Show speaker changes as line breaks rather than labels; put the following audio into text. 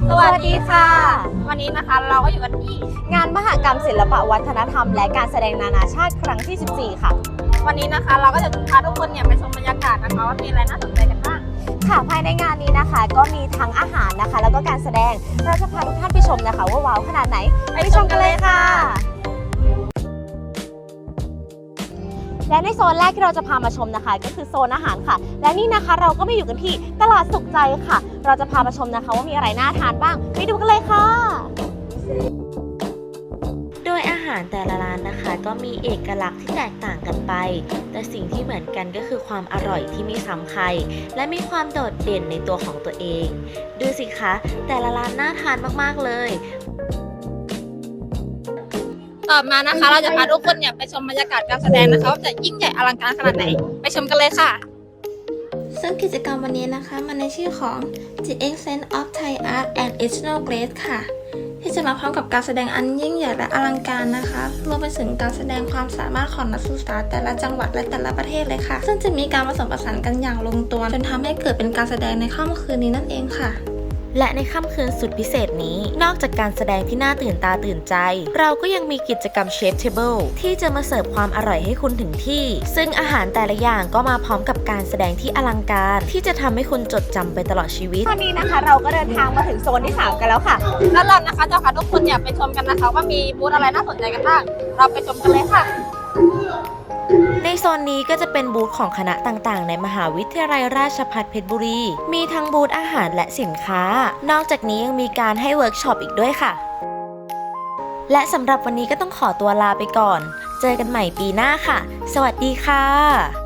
สวัสดีค่ะ วันนี้นะคะเราก็อยู่กันที่
งานมหกรรมศิลปวัฒนธรรมและการแสดงนานาชาติครั้งที่ 14 ค่ะ
วันนี้นะคะเราก็จะพาทุกคนเนี่ยไปชมบรรยากาศนะคะว่ามีอะไรน่าสนใจกันบ้าง
ค่ะภายในงานนี้นะคะก็มีทั้งอาหารนะคะ แล้วก็การแสดงเราจะพาทุกท่านไปชมนะคะว่าว้าวขนาดไหนไปชมกันเลยค่ะ และในโซนแรกที่เราจะพามาชมนะคะ ก็คือโซนอาหารค่ะ และนี่นะคะเราก็มาอยู่กันที่ตลาดสุขใจค่ะ เราจะพามาชมนะคะว่ามีอะไรน่าทานบ้างไปดูกันเลยค่ะ
โดยอาหารแต่ละร้านนะคะก็มีเอกลักษณ์ที่แตกต่างกันไป แต่สิ่งที่เหมือนกันก็คือความอร่อยที่ไม่ซ้ำใครและมีความโดดเด่นในตัวของตัวเอง ดูสิคะแต่ละร้านน่าทานมากๆเลย
ต่อมานะคะเราจะพาทุกคนเนี่ยไปชมบรรยากาศการแสดงนะคะว่าจะยิ่งใหญ่อลังการขนาดไหนไปชมกันเลยค่ะ
ซึ่งกิจกรรมวันนี้นะคะมันในชื่อของ The Essence of Thai Art and Regional Grace ค่ะ ที่จะมาพร้อมกับการแสดงอันยิ่งใหญ่และอลังการนะคะรวมไปถึงการแสดงความสามารถของนักศึกษาแต่ละจังหวัดและแต่ละประเทศเลยค่ะ ซึ่งจะมีการผสมผสานกันอย่างลงตัวจนทำให้เกิดเป็นการแสดงในค่ำคืนนี้นั่นเองค่ะ
และในค่ำคืนสุดพิเศษนี้นอกจากการแสดงที่น่าตื่นตาตื่นใจเราก็ยังมีกิจกรรมเชฟเทเบิลที่จะมาเสิร์ฟความอร่อยให้คุณถึงที่ซึ่งอาหารแต่ละอย่างก็มาพร้อมกับการแสดงที่อลังการที่จะทำให้คุณจดจำไปตลอดชีวิต
ตอนนี้นะคะเราก็เดินทางมาถึงโซนที่ 3 กันแล้วค่ะ
แล้วเรานะคะจะพาทุกคนเนี่ยไปชมกันนะคะว่ามีบูธอะไรน่าสนใจกันบ้างเราไปชมกันเลยค่ะ
ในโซนนี้ก็จะเป็นบูธของคณะต่างๆในมหาวิทยาลัยราชภัฏเพชรบุรีมีทั้งบูธอาหารและสินค้านอกจากนี้ยังมีการให้เวิร์กช็อปอีกด้วยค่ะและสำหรับวันนี้ก็ต้องขอตัวลาไปก่อนเจอกันใหม่ปีหน้าค่ะสวัสดีค่ะ